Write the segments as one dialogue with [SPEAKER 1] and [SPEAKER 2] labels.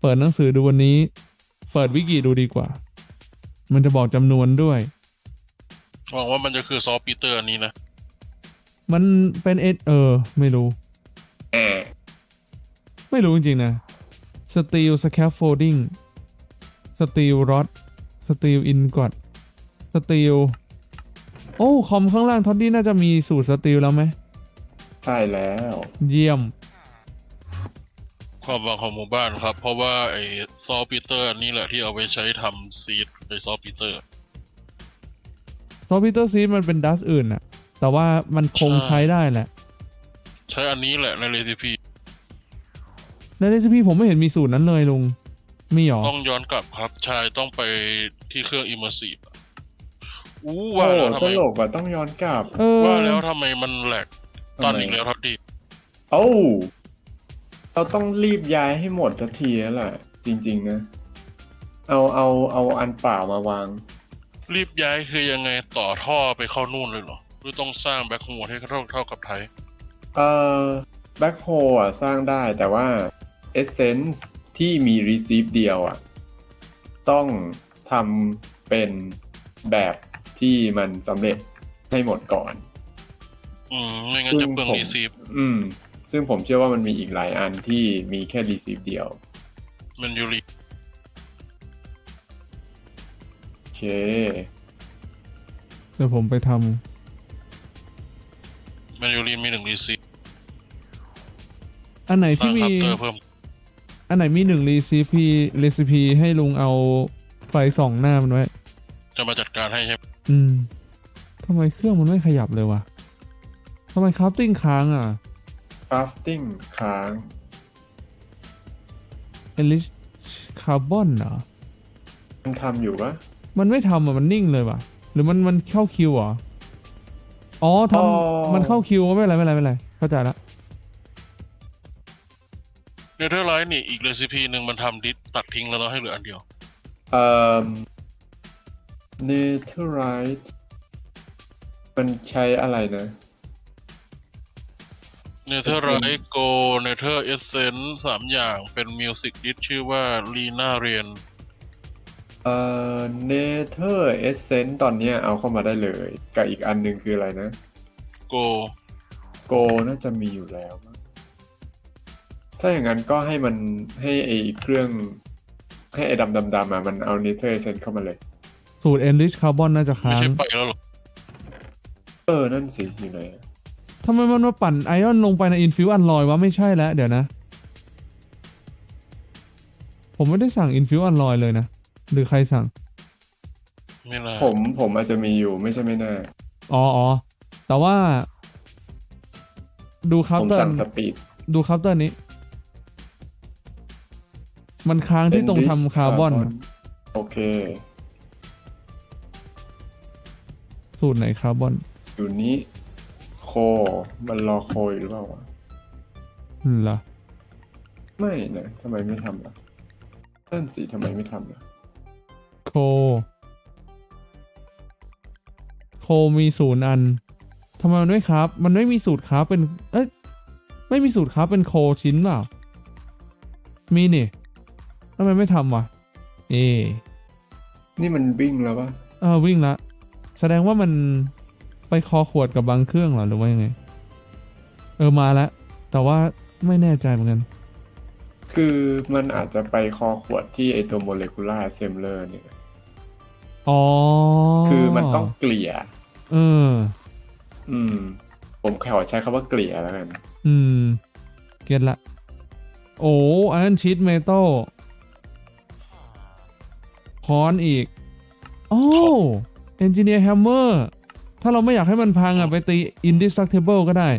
[SPEAKER 1] ปิดหนังสือดูวันนี้เปิดวิกิดูดีกว่ามันจะบอกจำนวนด้วย
[SPEAKER 2] หวังว่ามันจะคือซอฟต์ปีเตอร์อันนี้นะ
[SPEAKER 1] มันเป็นไม่รู้ไม่รู้จริงๆนะ Steel Scaffolding Steel Rod Steel Ingot Steel โอ้คอมข้างล่างท็อดดี้น่าจะมีสูตรสตีลแล้วไหม
[SPEAKER 3] ใช่แล้ว
[SPEAKER 1] เยี่ยม
[SPEAKER 2] ความหวังของหมู่บ้านครับเพราะว่าไอ้ซอฟต์ปีเตอร์อันนี้แหละที่เอาไปใช้ทำซีดไอ้ซอฟต์ปีเตอร์
[SPEAKER 1] ซีดมันเป็นดัสอื่นอะแต่ว่ามันคงใช้ได้แหละ
[SPEAKER 2] ใช้อันนี้แหละในเรซิปี
[SPEAKER 1] ผมไม่เห็นมีสูตรนั้นเลยลุงมีหรอ
[SPEAKER 2] ต้องย้อนกลับครับชายต้องไปที่เครื่อง Immersive
[SPEAKER 3] ว่าแล้วทำไมตลกอ่ะต้องย้อนกลับ
[SPEAKER 2] ว่าแล้วทำไมมันแหลกตอนอีกแล้วทัดดี
[SPEAKER 3] เราต้องรีบย้ายให้หมดสักทีแล้วล่ะจริงๆนะเอาอันเปล่ามาวาง
[SPEAKER 2] รีบย้ายคือยังไงต่อท่อไปเข้านู่นเลยเหรอหรือต้องสร้างแบ็คโฮลให้เท่ากับไทย
[SPEAKER 3] แบ็คโฮลอ่ะสร้างได้แต่ว่า Essence ที่มี Receive เดียวอ่ะต้องทำเป็นแบบที่มันสำเร็จให้หมดก่อน
[SPEAKER 2] ไม่งั้นจะเปลือง Receive
[SPEAKER 3] ซึ่งผมเชื่อว่ามันมีอีกหลายอันที่มีแค่ Receive เดียว
[SPEAKER 2] มันยูริ
[SPEAKER 3] โอเค
[SPEAKER 1] เดี๋ยวผมไปท
[SPEAKER 2] ำมันยูริมี1 Receive
[SPEAKER 1] อันไหนที่มีอันไหนมี1 Recipe ให้ลุงเอาไฟส่องหน้ามันไว้
[SPEAKER 2] จะมาจัดการให้ใช่ไหม
[SPEAKER 1] ทำไมเครื่องมันไม่ขยับเลยวะทำไมคราฟติ้งค้าง
[SPEAKER 3] crafting ค้าง
[SPEAKER 1] Enrich Carbon เหรอ
[SPEAKER 3] มันทำอยู่ปะ
[SPEAKER 1] มันไม่ทำมันนิ่งเลยว่ะหรือมันเข้าคิวเหรอทำมันเข้าคิวไม่เป็นไรเข้าใจละ
[SPEAKER 2] เนเธอร์ไลท์นี่อีกเรซิปีหนึ่งมันทำดิสตัดทิ้งแล้วเราให้เหลืออันเดียว
[SPEAKER 3] Netherite มันใช้อะไรนะ
[SPEAKER 2] เนเธอร์ไรท์โกเนเธอร์เอเซนส์3อย่างเป็นมิวสิกดิสชื่อว่าลีน่าเรียน
[SPEAKER 3] Nether Essence ตอนนี้เอาเข้ามาได้เลยกับอีกอันหนึ่งคืออะไรนะ
[SPEAKER 2] โก
[SPEAKER 3] น่าจะมีอยู่แล้วถ้าอย่างนั้นก็ให้มันให้ไอ้เครื่องให้ไอ้ดำมามันเอา Nether Essence เข้ามาเลย
[SPEAKER 1] สูตร Enrich Carbon น่าจะค้าง
[SPEAKER 2] ไม่ใช่ไปแล้วหรอ
[SPEAKER 3] นั่นสิอยู่ไหน
[SPEAKER 1] ทำไมมันมาปั่นไอออนลงไปใน Infuse Alloy วะไม่ใช่แล้วเดี๋ยวนะผมไม่ได้สั่ง Infuse Alloy เลยนะหรือใครสั่ง
[SPEAKER 2] ไม่น่า
[SPEAKER 3] ผมอาจจะมีอยู่ไม่ใช่ไม่แน่
[SPEAKER 1] แต่ว่าดูคัพเตอร์
[SPEAKER 3] ผมสั่งสปีด
[SPEAKER 1] ดูคัพเตอร์นี้มันค้างที่ตรงทำคาร์บอน
[SPEAKER 3] โอเค
[SPEAKER 1] สูตรไหนคาร์บอน
[SPEAKER 3] อยู่นี้โคมันรอโคหรือเปล่าวะ
[SPEAKER 1] เหรอ
[SPEAKER 3] ไม่นะทำไมไม่ทำล่ะนั่นสิทำไมไม่ทำล่ะ
[SPEAKER 1] โคมี0 อันทำไมมันไม่ครับมันไม่มีสูตรครับเป็นไม่มีสูตรครับเป็นโคชิ้นเปล่ามีนี่ทำไมไม่ทำวะ
[SPEAKER 3] นี่มันวิ่งแล้วปะ
[SPEAKER 1] วิ่งละแสดงว่ามันไปคอขวดกับบางเครื่องเหรอหรือว่ายังไงมาแล้วแต่ว่าไม่แน่ใจเหมือนกัน
[SPEAKER 3] คือมันอาจจะไปคอขวดที่ไอตัวโมเลกุลาร์เซมเลอร์เนี่ยคือมันต้องเกลี่ยผมขอใช้คำว่าเกลี่ยแล้วกัน
[SPEAKER 1] เก็ตละอันนั้นชีทเมทัลคอนอีกเอนจิเนียร์แฮมเมอร์ถ้าเราไม่อยากให้มันพังไปตี indestructible ก็ได้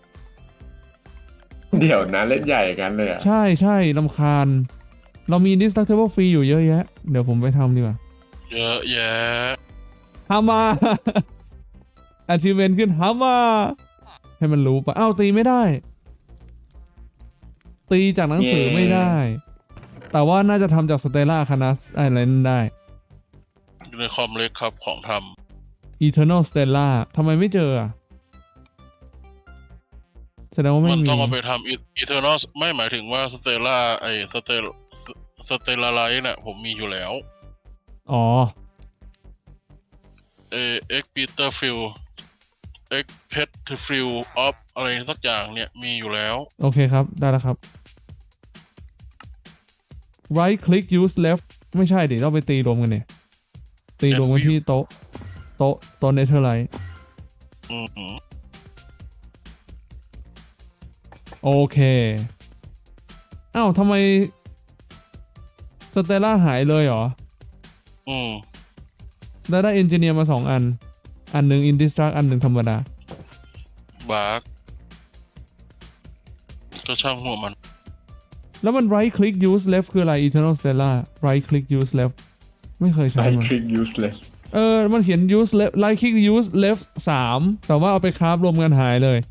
[SPEAKER 3] เดี๋ยวนะเล่นใหญ่กันเลย
[SPEAKER 1] ใช่รำคาญเรามี indestructible ฟรีอยู่เยอะแยะเดี๋ยวผมไปทำดีกว่า
[SPEAKER 2] เยอะแยะ
[SPEAKER 1] ทำมา achievement ขึ้นทำมาให้มันรู้ปะตีไม่ได้ตีจากหนังสือไม่ได้แต่ว่าน่าจะทำจากสเตลล่าคานัสอะไรนั่นได้
[SPEAKER 2] อยู่ในคอมเล็กครับของท
[SPEAKER 1] ำ Eternal Stella ทำไมไม่เจอแสดงว่าไม่มี
[SPEAKER 2] มันต้องเอาไปทำ Eternal ไม่หมายถึงว่า Stella ไอ้สเตลลาไลท์น่ะผมมีอยู่แล้ว
[SPEAKER 1] อ๋อ
[SPEAKER 2] เอ็กปีเตอร์ฟิลเอ็กเพชฟิลออฟอะไรสักอย่างเนี่ยมีอยู่แล้ว
[SPEAKER 1] โอเคครับ ได้แล้วครับ right click use left ไม่ใช่ดิต้องไปตีรวมกันเนี่ย ตีรวมกันที่โต๊ะเนเธอร์ไลท์
[SPEAKER 2] อืมอืม
[SPEAKER 1] โอเค อ้าวทำไมสเตลล่าหายเลยเหรอ
[SPEAKER 2] อืม
[SPEAKER 1] ได้เอนจิเนียร์มา2 อัน อันหนึ่งอินดิสตรักอันหนึ่งธรรมดา
[SPEAKER 2] บาร์กก็ช่างหัวมัน
[SPEAKER 1] แล้วมัน right click use left คืออะไร eternal stella right click use left ไม่เคยใช้
[SPEAKER 3] ใช้
[SPEAKER 1] มัน
[SPEAKER 3] คลิก useless
[SPEAKER 1] มันเขียน use left right click use left 3 แต่ว่าเอาไปคราฟรวมกันหายเลย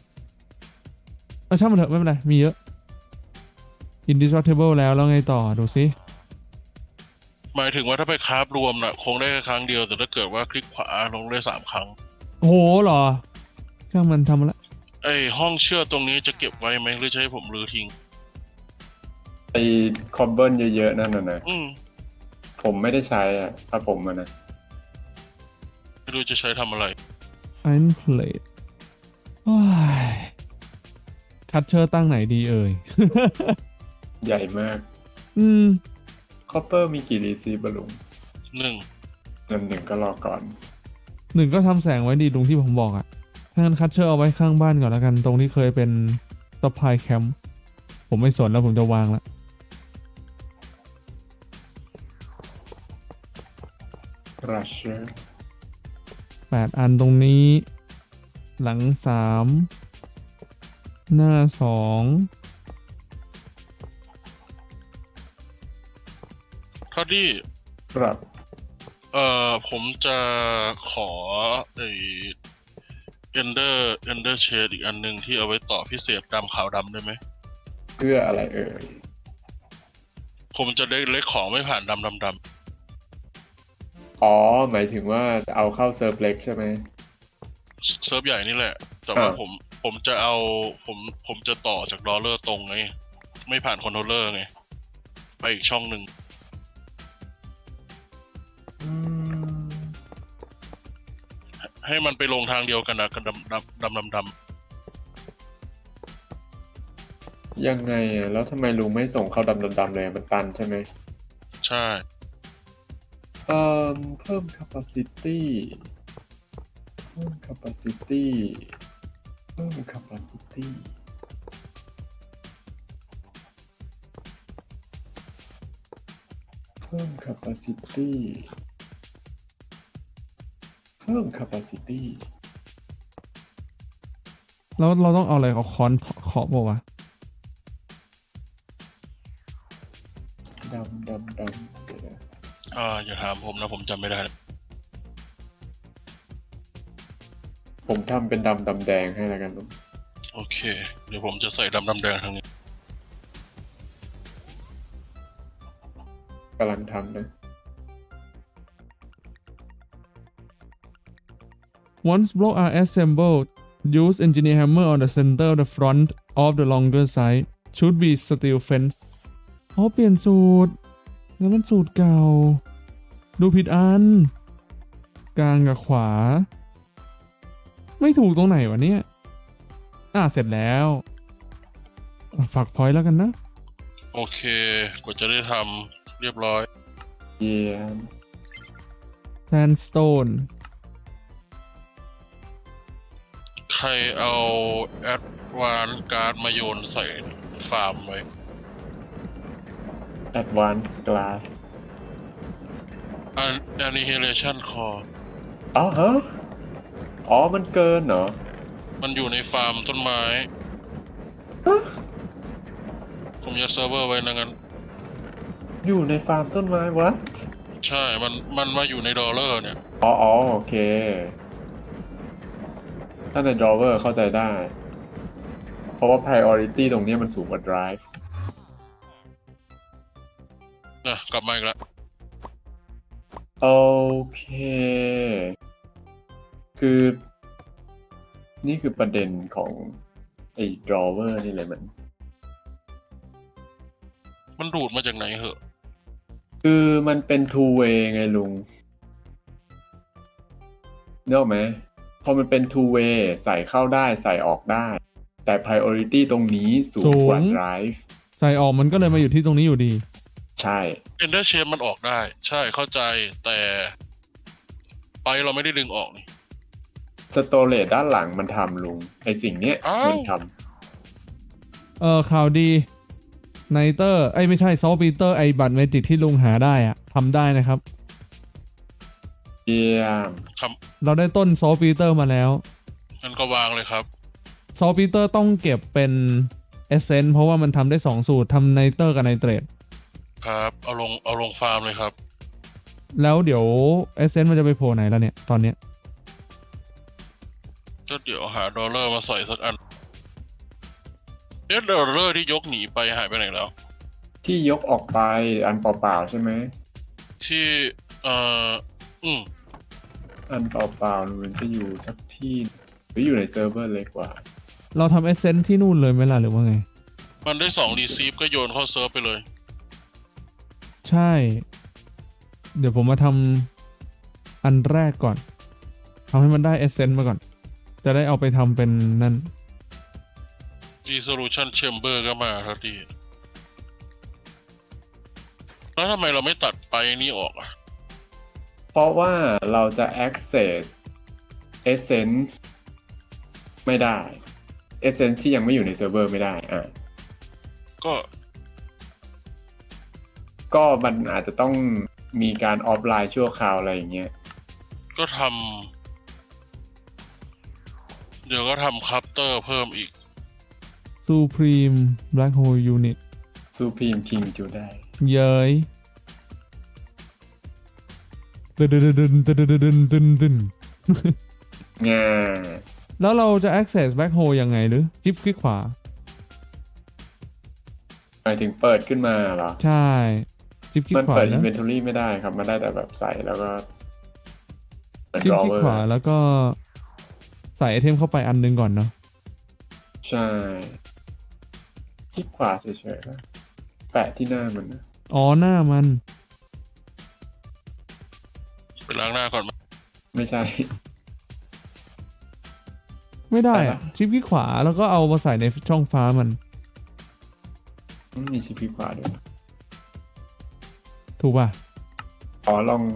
[SPEAKER 1] ช่างมันเถอะไม่เป็นไร มีเยอะ indestructible แล้วไงต่อดูซิ
[SPEAKER 2] หมายถึงว่าถ้าไปคราฟรวมน่ะ คงได้แค่ครั้งเดียว แต่ถ้าเกิดว่าคลิกขวาลงได้3 ครั้ง
[SPEAKER 1] โอ้โหเหรอ ช่างมันทำมาละ
[SPEAKER 2] ไอห้องเชื่อตรงนี้จะเก็บไว้ไหมหรือจะให้ผมรื้อทิ้ง
[SPEAKER 3] ไอ้คอมเบิลเยอะๆนั่นน่ะนะ
[SPEAKER 2] อืม
[SPEAKER 3] ผมไม่ได้ใช้อ่ะถ้าผมนะ
[SPEAKER 2] ไม่รู้จะใช้ทำอะไร
[SPEAKER 1] iron plate โอ้ยคัตเชอร์ตั้งไหนดีเอ่ย
[SPEAKER 3] ใหญ่มาก
[SPEAKER 1] อืม
[SPEAKER 3] คอปเปอร์มีกี่รีซีฟบลุง
[SPEAKER 2] หนึ่ง
[SPEAKER 3] หนึ่งก็รอก่อน
[SPEAKER 1] 1ก็ทำแสงไว้ดีตรงที่ผมบอกอะถ้างั้นคัตเชอร์เอาไว้ข้างบ้านก่อนแล้วกัน ตรงที่เคยเป็นซัพพลายแคมป์ผมไม่สนแล้วผมจะวางละ
[SPEAKER 3] รัชเชอร์
[SPEAKER 1] 8 อันตรงนี้ หลัง 3 หน้า 2
[SPEAKER 2] ทอดดี้
[SPEAKER 3] ครับ
[SPEAKER 2] ผมจะขอไอเอนเดอร์เชดอีกอันหนึ่งที่เอาไว้ต่อพิเศษดำขาวดำได้ไหม
[SPEAKER 3] เพื่ออะไรเอ่ย
[SPEAKER 2] ผมจะได้เล็กของไม่ผ่านดำ
[SPEAKER 3] อ๋อ หมายถึงว่าจะเอาเข้าเซิร์ฟเล็กใช่ไหม
[SPEAKER 2] เซิร์ฟใหญ่นี่แหละ แต่ว่า
[SPEAKER 3] อ่า
[SPEAKER 2] ผมจะเอาผมจะต่อจากดอลเลอร์ตรงไง ไม่ผ่านคอนโทรลเลอร์ไง ไปอีกช่องหนึ่ง
[SPEAKER 3] อืม
[SPEAKER 2] ให้มันไปลงทางเดียวกันนะกันดำ
[SPEAKER 3] ยังไงอ่ะ แล้วทำไมลุงไม่ส่งเข้าดำๆเลยมันตันใช่ไหม
[SPEAKER 2] ใช่
[SPEAKER 3] เพิ่ม capacity เพิ่ม capacity เพิ่ม capacity เพิ่ม capacity เพิ่ม capacity
[SPEAKER 1] แล้วเราต้องเอาอะไรเอาค้อนเคาะบอกว่าวะ
[SPEAKER 3] ดำเดี๋ยวนะ
[SPEAKER 2] อย่าถามผมนะผมจำไม่ได้
[SPEAKER 3] ผมทำเป็นดำแดงให้แล้วกันลุง
[SPEAKER 2] โอเค เดี๋ยวผมจะใส่ดำแดงทางนี้
[SPEAKER 3] กำลังทำนะ
[SPEAKER 1] Once blocks are assembled use engineer hammer on the center of the front of the longer side should be steel fence เปลี่ยนสูตรแล้วมันสูตรเก่า ดูผิดอัน กลางกับขวา ไม่ถูกตรงไหนวะเนี่ยเสร็จแล้วฝากพอยต์แล้วกันนะ
[SPEAKER 2] โอเคกว่าจะได้ทำเรียบร้อย
[SPEAKER 3] เยี่ยม
[SPEAKER 1] sandstone
[SPEAKER 2] ใครเอาแอดวานการ์ดมาโยนใส่ฟาร์มไว้
[SPEAKER 3] advanced glass
[SPEAKER 2] annihilation core
[SPEAKER 3] อ๋อฮะ อ๋อ มันเกินเหรอ
[SPEAKER 2] มันอยู่ในฟาร์มต้นไม้ ผมยัดเซิร์ฟเวอร์ไว้นะงั้น
[SPEAKER 3] อยู่ในฟาร์มต้นไม้ what
[SPEAKER 2] ใช่ มันมาอยู่ในดอลเลอร์เนี่ย
[SPEAKER 3] อ๋อโอเค ถ้าใน drawer เข้าใจได้ เพราะว่า priority ตรงนี้มันสูงกว่า drive
[SPEAKER 2] กลับมาอีกแล้ว
[SPEAKER 3] โอเค คือ นี่คือประเด็นของไอ้ drawer นี่เลยมัน
[SPEAKER 2] มันดูดมาจากไหนเหอะ
[SPEAKER 3] คือมันเป็น two way ไงลุงเนกอะไหมพอมันเป็น two way ใส่เข้าได้ใส่ออกได้ แต่ priority ตรงนี้สูงกว่า drive
[SPEAKER 1] ใส่ออกมันก็เลยมาอยู่ที่ตรงนี้อยู่ดี
[SPEAKER 3] ใช่
[SPEAKER 2] Ender Chase มันออกได้ ใช่เข้าใจแต่ไปเราไม่ได้ดึงออกนี่
[SPEAKER 3] storage ด้านหลังมันทำลุงไอสิ่งเนี้ย
[SPEAKER 2] อ้าว
[SPEAKER 3] มันท
[SPEAKER 1] ข่าวดีไนเตอร์ไม่ใช่ซอลปีเตอร์ไอบัตรเมจิกที่ลุงหาได้อะทำได้นะครับ
[SPEAKER 3] ำเยี่ยม
[SPEAKER 1] เราได้ต้นซอลปีเตอร์มาแล้ว
[SPEAKER 2] งั้นก็วางเลยครับ
[SPEAKER 1] ซอลปีเตอร์ต้องเก็บเป็นเอเซนต์เพราะว่ามันทำได้ 2 สูตรทำไนเตอร์กับไนเตรต
[SPEAKER 2] ครับเอาลงฟาร์มเลยครับ
[SPEAKER 1] แล้วเดี๋ยวเอเซนต์มันจะไปโผล่ไหนแล้วเนี่ย ตอนเนี้ย
[SPEAKER 2] ก็เดี๋ยวหาดอลลาร์มาใส่สักอันดอลลาร์ที่ยกหนีไปหายไปไหนแล้ว
[SPEAKER 3] ที่ยกออกไปอันเปล่าๆใช่ไหม
[SPEAKER 2] ที่อืม
[SPEAKER 3] อันเปล่าๆมันจะอยู่สักที่หรืออยู่ในเซิร์ฟเวอร์เล็กกว่า
[SPEAKER 1] เราทำเอเซนต์ที่นู่นเลยไหมล่ะหรือว่าไง
[SPEAKER 2] มันได้2 receive ก็โยนเข้าเซิร์ฟไปเลย
[SPEAKER 1] ใช่ เดี๋ยวผมมาทำอันแรกก่อนทำให้มันได้เอเซนต์มาก่อน จะได้เอาไปทำเป็นนั่น
[SPEAKER 2] resolution chamber ก็มาทันทีแล้วทำไมเราไม่ตัดไปนี้ออกอ่ะ
[SPEAKER 3] เพราะว่าเราจะ access essence ไม่ได้ essence ที่ยังไม่อยู่ในเซิร์ฟเวอร์ไม่ได้ก็มันอาจจะต้องมีการออฟไลน์ชั่วคราวอะไรอย่างเงี้ย
[SPEAKER 2] ก็เดี๋ยวก็ทำคัพเตอร์เพิ่มอีก
[SPEAKER 1] Supreme Black Hole Unit
[SPEAKER 3] Supreme King จูได้
[SPEAKER 1] เย้ยดึน
[SPEAKER 3] งา
[SPEAKER 1] แล้วเราจะ access Black Hole ยังไงหรือจิ๊บคลิกขวา
[SPEAKER 3] หมายถึงเปิดขึ้นมาเหรอ
[SPEAKER 1] ใช่จิ๊บคลิก
[SPEAKER 3] มัน
[SPEAKER 1] ขวา
[SPEAKER 3] เปิด
[SPEAKER 1] นะ
[SPEAKER 3] inventory ไม่ได้ครับ มันได้แต่แบบใส่แล้วก็เปิด
[SPEAKER 1] จิ๊บคลิก
[SPEAKER 3] drawer
[SPEAKER 1] ขวาแล้วก็ใส่ไอเทมเข้าไปอันหนึงก่อนเนาะ
[SPEAKER 3] ใช่คลิกขวาเฉยๆนะแปะที่หน้ามันนะ
[SPEAKER 1] อ๋อหน้ามัน
[SPEAKER 2] ไปล้างหน้าก่อนไหม
[SPEAKER 3] ไม่ใช่
[SPEAKER 1] ไม่ได้
[SPEAKER 3] อะไร
[SPEAKER 1] อะ
[SPEAKER 3] นะ
[SPEAKER 1] จิ๊บคลิกขวาแล้วก็เอามาใส่ในช่องฟ้ามัน
[SPEAKER 3] มีชิปคลิกขวาด้วย
[SPEAKER 1] ถูกป่ะ
[SPEAKER 3] อ๋อลอง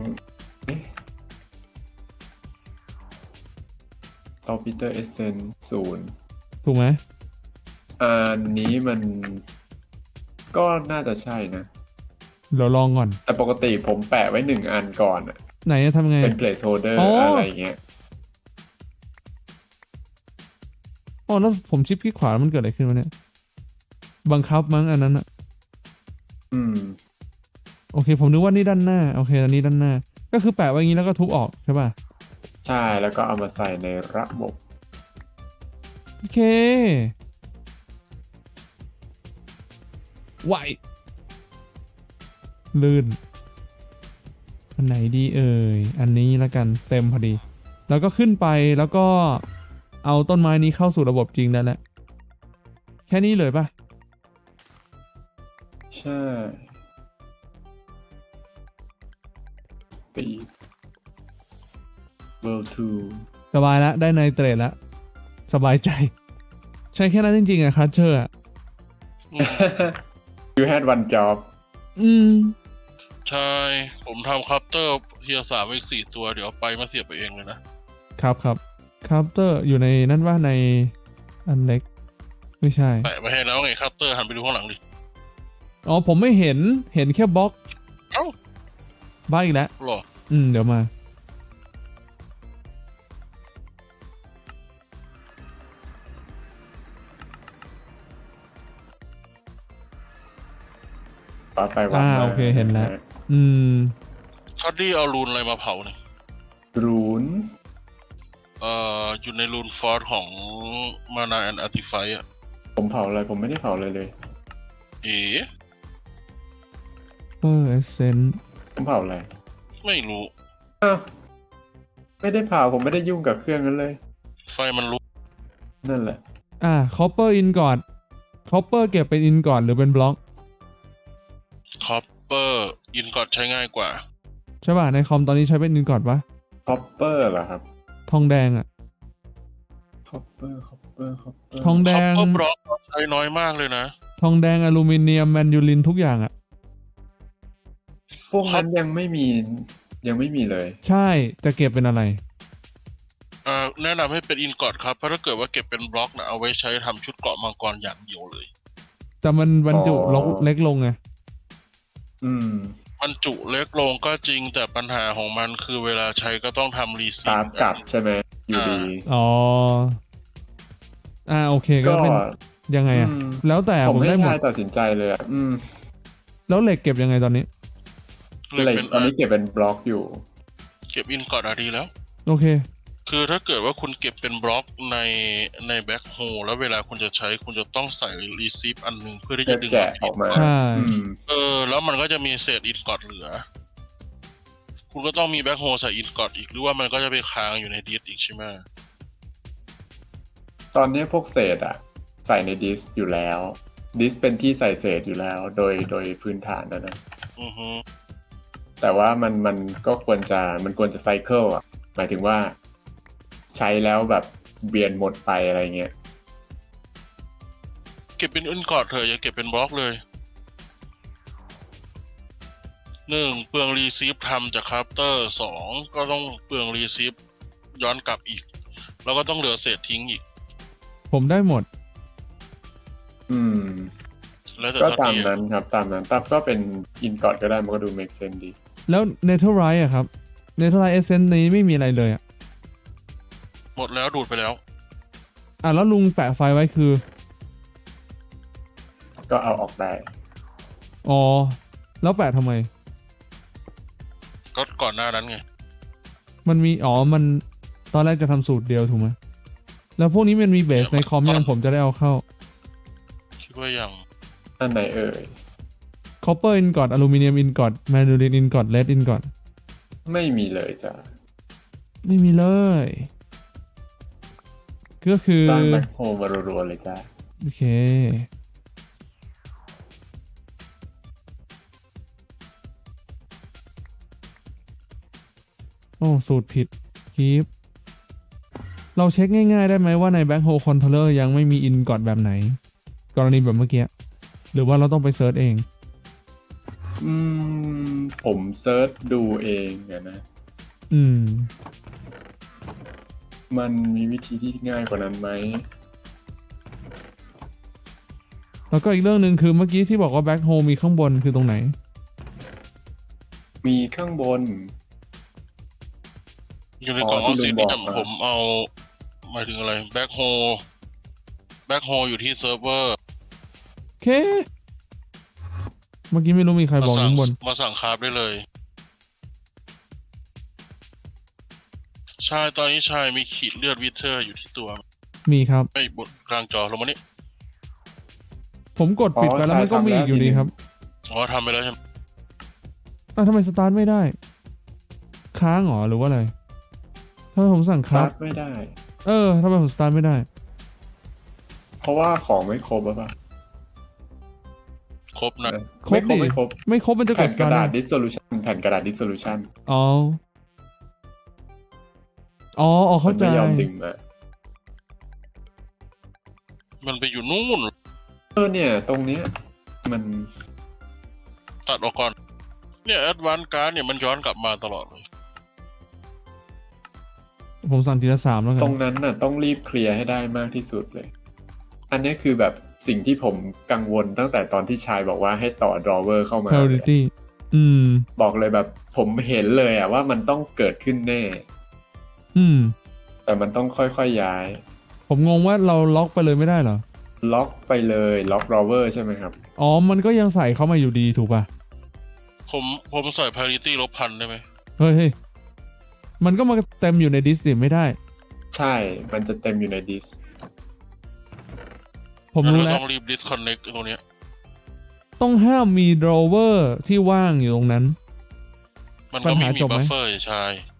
[SPEAKER 3] ซอลปีเตอร์เอเซน0
[SPEAKER 1] ถูกไหม
[SPEAKER 3] อันนี้มันก็น่าจะใช่นะ
[SPEAKER 1] เดี๋ยวลองก่อน
[SPEAKER 3] แต่ปกติผมแปะไว้1 อันก่อนอะ
[SPEAKER 1] ไหนจะทำไง
[SPEAKER 3] เป็น placeholder
[SPEAKER 1] อ๋ออ
[SPEAKER 3] อะไรอย่างเงี้ย
[SPEAKER 1] อ๋อแล้วผมชิปคลิกขวาแล้วมันเกิดอะไรขึ้นวะเนี่ย บังคับมั้งอันนั้นอะ
[SPEAKER 3] อืม
[SPEAKER 1] โอเค ผมนึกว่านี่ด้านหน้า โอเคอันนี้ด้านหน้า ก็คือแปะไว้อย่างนี้แล้วก็ทุบออกใช่ป่ะ
[SPEAKER 3] ใช่แล้วก็เอามาใส่ในระบบ
[SPEAKER 1] โอเคไหวลื่น อันไหนดีเอ่ย อันนี้แล้วกันเต็มพอดี แล้วก็ขึ้นไปแล้วก็เอาต้นไม้นี้เข้าสู่ระบบจริงได้แล้ว แค่นี้เลยป่ะ
[SPEAKER 3] ใช่ Speed World 2
[SPEAKER 1] สบายแล้วได้ไนเตรตแล้ว สบายใจ ใช้แค่นั้นจริงๆอะคัตเชอร์อะ
[SPEAKER 3] You had one job
[SPEAKER 1] อืม
[SPEAKER 2] ใช่ ผมทำคัพเตอร์เทียร์3อีก4 ตัวเดี๋ยวไปมาเสียบไปเองเลยนะ
[SPEAKER 1] ครับครับเตอร์อยู่ในนั่นว่าในอันเล็ก ไม่ใช่
[SPEAKER 2] แปะไว้ให้แล้วไงคัพเตอร์หันไปดูข้างหลังดิ
[SPEAKER 1] อ๋อผมไม่เห็นแค่บล็อก
[SPEAKER 2] เอ้า
[SPEAKER 1] บ้าอีกแล้ว
[SPEAKER 2] หรอ
[SPEAKER 1] เดี๋ยวมา
[SPEAKER 3] ต่อไปวันมา
[SPEAKER 1] โอเคเห็นแล้ว อืม
[SPEAKER 2] คัดดี้เอารูนอะไรมาเผาเนี่ย
[SPEAKER 3] รูน
[SPEAKER 2] อยู่ในรูนฟอร์สของมานาแอนอาร์ติไฟอ่ะ
[SPEAKER 3] ผมเผาอะไรผมไม่ได้เผาเลย
[SPEAKER 2] เอ๋
[SPEAKER 1] เปอร์เอเซน
[SPEAKER 3] ผมเผาอะไร
[SPEAKER 2] ไม่รู้
[SPEAKER 3] อ้าวไม่ได้เผาผมไม่ได้ยุ่งกับเครื่องนั้นเลย
[SPEAKER 2] ไฟมันลุก
[SPEAKER 3] นั่นแหละ
[SPEAKER 1] คอปเปอร์อินก่อนคอปเปอร์เก็บเป็นอินก่อนหรือเป็นบล็อก
[SPEAKER 2] คอปเปอร์อินกอดใช้ง่ายกว่า
[SPEAKER 1] ใช่ป่ะในคอมตอนนี้ใช้เป็นอินกอดปะ
[SPEAKER 3] คอปเปอร์เหรอครับ
[SPEAKER 1] ทองแดงอะ
[SPEAKER 3] คอปเปอร์
[SPEAKER 1] ทองแดง
[SPEAKER 2] Copper Block ใช้น้อยมากเลยนะ
[SPEAKER 1] ทองแดงอลูมิเนียมแมนยูรินทุกอย่างอะ
[SPEAKER 3] พวกนั้นยังไม่มีเลย
[SPEAKER 1] ใช่จะเก็บเป็นอะไร
[SPEAKER 2] แนะนำให้เป็นอินกอดครับ เพราะถ้าเกิดว่าเก็บเป็นบล็อกนะเอาไว้ใช้ทำชุดเกราะมังกรอย่างเดียวเลย
[SPEAKER 1] แต่มันบรรจุ
[SPEAKER 3] อ๋อ
[SPEAKER 1] เล็กลงไง
[SPEAKER 3] อืม
[SPEAKER 2] บรรจุเล็กลงก็จริงแต่ปัญหาของมันคือเวลาใช้ก็ต้องทำรีซี
[SPEAKER 3] ตามกลับใช่ไหมอยู่ดี
[SPEAKER 1] อ๋อโอเคก็
[SPEAKER 3] ก็
[SPEAKER 1] เป็นยังไงอะ
[SPEAKER 3] อืม
[SPEAKER 1] แล้วแต่
[SPEAKER 3] ผม
[SPEAKER 1] ผม
[SPEAKER 3] ให้
[SPEAKER 1] ได้หม
[SPEAKER 3] ชา
[SPEAKER 1] ด
[SPEAKER 3] ยตัดสินใจเลยอ่ะ
[SPEAKER 1] แล้วเหล็กเก็บยังไงตอนนี้
[SPEAKER 2] เลย
[SPEAKER 3] เหล็ก
[SPEAKER 2] เป็น
[SPEAKER 3] ตอนนี้เก็บเป็นบล็อกอยู่
[SPEAKER 2] เก็บอินกอดดีแล้ว
[SPEAKER 1] โอเค
[SPEAKER 2] คือถ้าเกิดว่าคุณเก็บเป็นบล็อกในแบ็คโฮแล้วเวลาคุณจะใช้คุณจะต้องใส่รีซีฟอันหนึ่งเพื่อที่จะดึง
[SPEAKER 3] แกะออกมา
[SPEAKER 1] ใช่
[SPEAKER 3] อืม
[SPEAKER 2] แล้วมันก็จะมีเศษอินกอดเหลือ คุณก็ต้องมีแบ็คโฮใส่อินกอดอีกหรือว่ามันก็จะไปค้างอยู่ในดิสอีกใช่ไหม
[SPEAKER 3] ตอนนี้พวกเศษอ่ะ ใส่ในดิสอยู่แล้ว ดิสเป็นที่ใส่เศษอยู่แล้ว โดยพื้นฐานนะ
[SPEAKER 2] อือฮึ
[SPEAKER 3] แต่ว่ามันก็ควรจะไซเคิลอ่ะ หมายถึงว่าใช้แล้วแบบเบียนหมดไปอะไรเงี้ย
[SPEAKER 2] เก็บเป็นอินกอดเถอะอย่าเก็บเป็นบล็อกเลย 1. เปลืองรีซีฟทำจากคราฟเตอร์ 2. ก็ต้องเปลืองรีซีฟย้อนกลับอีก แล้วก็ต้องเหลือเศษทิ้งอีก
[SPEAKER 1] ผมได้หมด
[SPEAKER 3] อืม
[SPEAKER 2] แล้วแต่
[SPEAKER 3] ก็
[SPEAKER 2] ตอน
[SPEAKER 3] ตาม
[SPEAKER 2] นี้
[SPEAKER 3] นั้นครับตามนั้นตับก็เป็นอินกอดก็ได้มันก็ดู make sense ดี
[SPEAKER 1] แล้วเนเธอร์ไรท์อะครับเนเธอร์ไรท์เอเซนนี้ไม่มีอะไรเลยอะ
[SPEAKER 2] หมดแล้วดูดไปแล้ว
[SPEAKER 1] แล้วลุงแปะไฟไว้คือ
[SPEAKER 3] ก็เอาออกได้
[SPEAKER 1] อ๋อ แล้วแปะทำไม
[SPEAKER 2] ก็ก่อนหน้านั้นไง
[SPEAKER 1] มันมีมันตอนแรกจะทำสูตรเดียวถูกไหมแล้วพวกนี้มันมีเบสในคอมยังผมจะได้เอาเข้า
[SPEAKER 2] คิดว่ายัง
[SPEAKER 3] อันไหนเอ่ย
[SPEAKER 1] คอปเปอร์อินกอดอลูมิเนียมอินกอดแมนยูรินอินกอดเลดอินกอด
[SPEAKER 3] ไม่มีเลยจ้ะ
[SPEAKER 1] ไม่มีเลย ก็คือ
[SPEAKER 3] จ้างแบ็คโฮมารัวๆเลยจ้ะ
[SPEAKER 1] โอเค โอ้ สูตรผิดคีปเราเช็คง่ายๆได้ไหมว่าใน Backhole Controller ยังไม่มี in กอดแบบไหน กรณีแบบเมื่อกี้ หรือว่าเราต้องไปเซิร์ชเอง
[SPEAKER 3] ผมเซิร์ชดูเองอะนะ
[SPEAKER 1] อืม
[SPEAKER 3] มันมีวิธีที่ง่ายกว่านั้นไหม
[SPEAKER 1] แล้วก็อีกเรื่องหนึ่งคือเมื่อกี้ที่บอกว่า Backhole มีข้างบนคือตรงไหน
[SPEAKER 3] มีข้างบน
[SPEAKER 2] อยู่ในกล่อง
[SPEAKER 3] ที่
[SPEAKER 2] ออ
[SPEAKER 3] ลุ
[SPEAKER 2] ซิ
[SPEAKER 3] ง
[SPEAKER 2] น
[SPEAKER 3] บอก
[SPEAKER 2] เนี่ย
[SPEAKER 3] มา
[SPEAKER 2] ผมเอาหมายถึงอะไรแบ็คโฮอยู่ที่เซิร์ฟเวอร์
[SPEAKER 1] โอเค เมื่อกี้ไม่รู้มีใครบอกข้างบน
[SPEAKER 2] มาสั่งคราฟได้เลยชายตอนนี้ชายมีขีดเลือดวิเทอร์อยู่ที่ตัว
[SPEAKER 1] มีครับ
[SPEAKER 2] ไอ้บนกลางจอลงมานี่
[SPEAKER 1] ผมกดปิดไปแล้วมันก็มีอีกอยู่ดีครับ
[SPEAKER 2] อ๋อทำไปแล้วใช่ไหม
[SPEAKER 1] ทำไมสตาร์ทไม่ได้ ค้างเหรอหรือว่าอะไรทำไมผมสั่ง
[SPEAKER 3] ค
[SPEAKER 1] ครั
[SPEAKER 3] รั
[SPEAKER 1] บบ
[SPEAKER 3] ไม่ได้
[SPEAKER 1] ทำไมผมสตาร์ทไม่ได้
[SPEAKER 3] เพราะว่าของไม่ครบหรือเปล่า
[SPEAKER 2] ครบนะ
[SPEAKER 1] ครบดิ
[SPEAKER 3] ไม่ครบ
[SPEAKER 1] ไม่ครบมันจะก
[SPEAKER 3] แผ่
[SPEAKER 1] ด
[SPEAKER 3] น
[SPEAKER 1] ส
[SPEAKER 3] ก
[SPEAKER 1] ตา
[SPEAKER 3] ระ
[SPEAKER 1] ร์ท
[SPEAKER 3] ดาษ
[SPEAKER 1] ได้
[SPEAKER 3] dissolution แผ่นกระดาษ dissolution
[SPEAKER 1] อ๋อ เข้าใจ
[SPEAKER 3] ไม่ยอมดึงมา
[SPEAKER 2] มันไปอยู่นู่น
[SPEAKER 3] เนี่ย ตรงเนี้ยมัน
[SPEAKER 2] ตัดออกก่อน เนี่ยแอดวานซ์การ์ดเนี่ยมันย้อนกลับมาตลอดเลย
[SPEAKER 1] ผมสั่งทีละ3แล้วกั
[SPEAKER 3] ตร
[SPEAKER 1] น
[SPEAKER 3] งนั้นน่ะต้องรีบเคลียร์ให้ได้มากที่สุดเลย อันเนี้ยคือแบบสิ่งที่ผมกังวลตั้งแต่ตอนที่ชายบอกว่าให้ต่อ drawer เข้ามาเลย
[SPEAKER 1] priority
[SPEAKER 3] บอกเลยแบบผมเห็นเลยอะว่ามันต้องเกิดขึ้นแน่ แต่มันต้องค่อยๆย้าย
[SPEAKER 1] ผมงงว่าเราล็อกไปเลยไม่ได้เหรอ
[SPEAKER 3] ล็อกไปเลยล็อก drawer ใช่ไหมครับ
[SPEAKER 1] มันก็ยังใส่เข้ามาอยู่ดีถูกป่ะ
[SPEAKER 2] ผมใส่ parity 1,000ได้ไหม
[SPEAKER 1] เฮ้ย มันก็มาเต็มอยู่ในดิสดิไม่ได้
[SPEAKER 3] ใช่ มันจะเต็มอยู่ในดิส
[SPEAKER 1] ผมรู้
[SPEAKER 2] งั้น
[SPEAKER 1] แล้ว
[SPEAKER 2] ต้องรีบ disconnect ตรงเนี้ย
[SPEAKER 1] ต้องห้ามมี drawer ที่ว่างอยู่ตรงนั้น
[SPEAKER 2] มันก็
[SPEAKER 1] ปัญ
[SPEAKER 2] ไม่
[SPEAKER 1] หา
[SPEAKER 2] มี
[SPEAKER 1] จบไหม
[SPEAKER 2] บัฟเฟอร์ใช่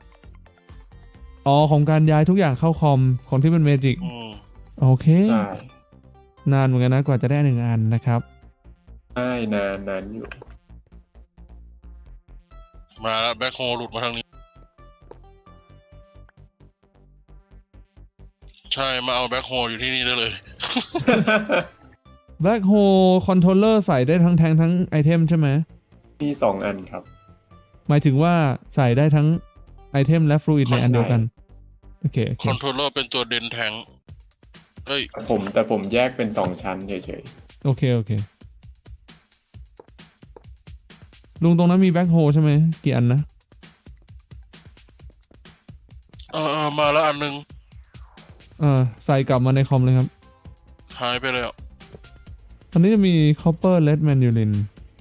[SPEAKER 1] ของการย้ายทุกอย่างเข้าคอมของที่เป็นเมจิก โอเค
[SPEAKER 3] ใช่
[SPEAKER 1] นานเหมือนกันนะกว่าจะได้1 อันนะครับ
[SPEAKER 3] ใช่นานอยู่
[SPEAKER 2] มาแล้วแบ็คโฮหลุดมาทางนี้ ใช่มาเอาแบ็คโฮอยู่ที่นี่ได้เลย
[SPEAKER 1] Black Hole Controller ใส่ได้ทั้งแทงทั้งไอเทมใช่ไหม
[SPEAKER 3] มีสองอันครับ
[SPEAKER 1] หมายถึงว่าใส่ได้ทั้งไอเทมและฟลูอิดในอันเดียวกัน โอเค โอเค
[SPEAKER 2] คอนโทรลเลอร์เป็นตัวเดนแทงเอ้ย
[SPEAKER 3] แต่ผมแยกเป็นสองชั้นเฉย
[SPEAKER 1] โอเค โอเค ลุงตรงนั้นมีแบ็คโฮใช่ไหม กี่อันนะ
[SPEAKER 2] มาแล้วอันนึง
[SPEAKER 1] ใส่กลับมาในคอมเลยครับ
[SPEAKER 2] หายไปแล้ว
[SPEAKER 1] ตอนนี้จะมี copper lead manulin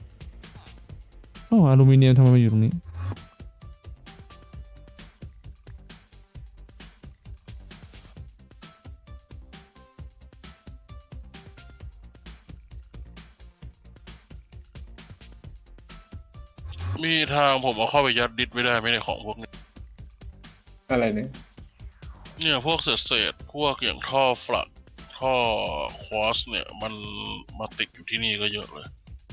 [SPEAKER 1] อลูมิเนียมทำไมมาอยู่ตรงนี้
[SPEAKER 2] มีทางผมเอาเข้าไปยัดดิสไม่ได้ไหมในของพวกนี้
[SPEAKER 3] ๆ อะไรเนี่ย
[SPEAKER 2] เนี่ยพวกเศษพวกอย่างท่อฟลักท่อควอสเนี่ย มันมาติดอยู่ที่นี่ก็เยอะเลย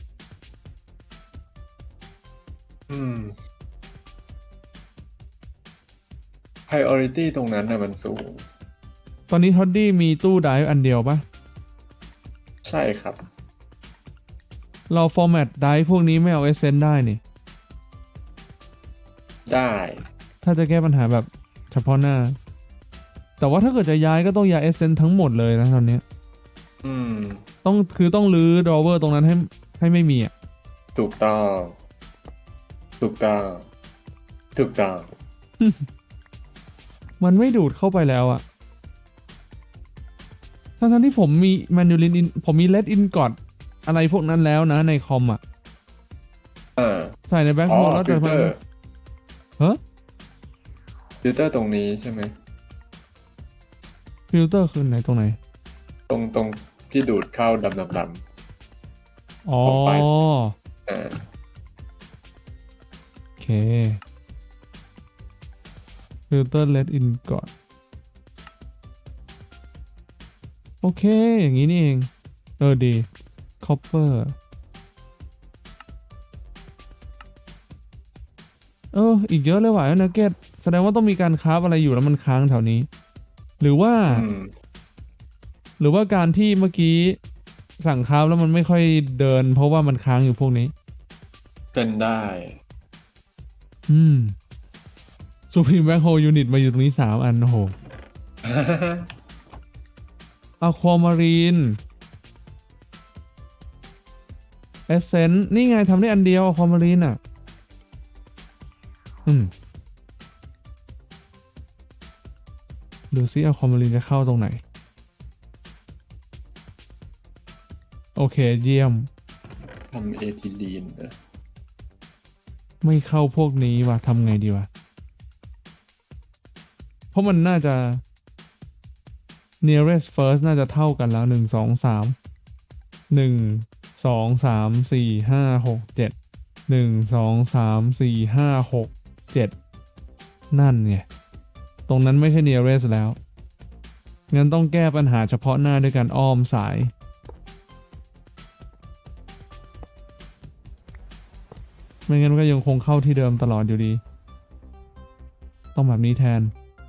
[SPEAKER 3] priority ตรงนั้นนะมันสูง
[SPEAKER 1] ตอนนี้ท็อดดี้มีตู้ไดฟ์อันเดียวปะ
[SPEAKER 3] ใช่ครับ
[SPEAKER 1] เราฟอร์แมตไดฟ์พวกนี้ไม่เอาเอเซนได้นี่
[SPEAKER 3] ได้
[SPEAKER 1] ถ้าจะแก้ปัญหาแบบเฉพาะหน้า แต่ว่าถ้าเกิดจะย้ายก็ต้องย้ายเอเซนทั้งหมดเลยนะตอนเนี้ย
[SPEAKER 3] อืม
[SPEAKER 1] ต้องรื้อดรอเวอร์ตรงนั้นให้ไม่มีอ่ะ
[SPEAKER 3] ถูกต้อง ถูกต้อง ถูกต้อง
[SPEAKER 1] มันไม่ดูดเข้าไปแล้วอะทั้งที่ผมมีแมนูลินผมมีเลดอินกอดอะไรพวกนั้นแล้วนะในคอมอะ ใส่ในแบ็ค
[SPEAKER 3] อ๋
[SPEAKER 1] โฮ
[SPEAKER 3] อ
[SPEAKER 1] แล้ว
[SPEAKER 3] ฟิ
[SPEAKER 1] จะ
[SPEAKER 3] ลเตอร์
[SPEAKER 1] ฮะ
[SPEAKER 3] ฟิลเตอร์ตรงนี้ใช่ไหม
[SPEAKER 1] ฟิลเตอร์คือไหนตรงไหน
[SPEAKER 3] ตรงที่ดูดเข้าดำ
[SPEAKER 1] อ๋อ
[SPEAKER 3] ของ pipes
[SPEAKER 1] โอเคฟิลเตอร์เลดอินกอดโอเค อย่างนี้นี่เอง ดีคอปเปอร์อีกเยอะเลยว่ะนักเก็ตแสดงว่าต้องมีการคราฟอะไรอยู่แล้วมันค้างแถวนี้ หรือว่า หรือว่าการที่เมื่อกี้สั่งคราฟแล้วมันไม่ค่อยเดิน เพราะว่ามันค้างอยู่พวกนี้
[SPEAKER 3] เป็นได้
[SPEAKER 1] ซูพรีมแบ็คโฮยูนิตมาอยู่ตรงนี้3 อัน โอ้โหอะความารีนเอเซนนี่ไงทำได้อันเดียวอะความารีนอ่ะ ดูซิอะความารีนจะเข้าตรงไหน โอเคเยี่ยม
[SPEAKER 3] ทำเอทิลีนนะ
[SPEAKER 1] ไม่เข้าพวกนี้ว่ะทำไงดีวะ เพราะมันน่าจะ nearest first น่าจะเท่ากันแล้ว1 2 3 1 2 3 4 5 6 7 1 2 3 4 5 6 7นั่นไงตรงนั้นไม่ใช่ nearest แล้วงั้นต้องแก้ปัญหาเฉพาะหน้าด้วยการอ้อมสายไม่งั้นก็ยังคงเข้าที่เดิมตลอดอยู่ดีต้องแบบนี้แทน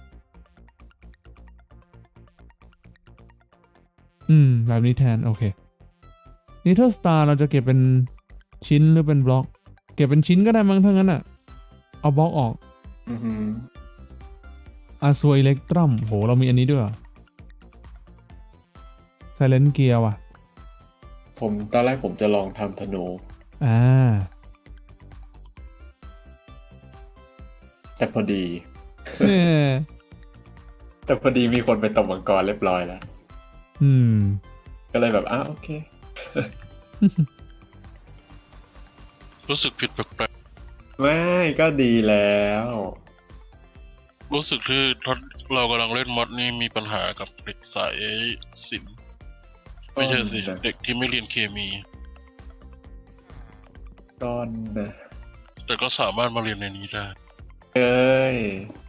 [SPEAKER 1] แบบนี้แทนโอเคนิเทอร์สตาร์เราจะเก็บเป็นชิ้นหรือเป็นบล็อกเก็บเป็นชิ้นก็ได้มั้งถ้างั้นอ่ะเอาบล็อกออกอาซัวอิเล็กตรัมโหเรามีอันนี้ด้วยไซเลนเกียร์ว่ะ
[SPEAKER 3] ตอนแรกผมจะลองทำธนู แต่พอดี แต่พอดีมีคนไปตบมังกรเรียบร้อยแล้ว ก็เลยแบบโอเค
[SPEAKER 2] รู้สึกผิดแปลก
[SPEAKER 3] ไม่ก็ดีแล้ว
[SPEAKER 2] ๆรู้สึกที่เรากำลังเล่นมอดนี่มีปัญหากับเด็กสายศิลป์ไม่ใช่สิ เด็กที่ไม่เรียนเคมี
[SPEAKER 3] ก้อนนะ
[SPEAKER 2] แต่ก็สามารถมาเรียนในนี้ได้
[SPEAKER 3] เอ้ย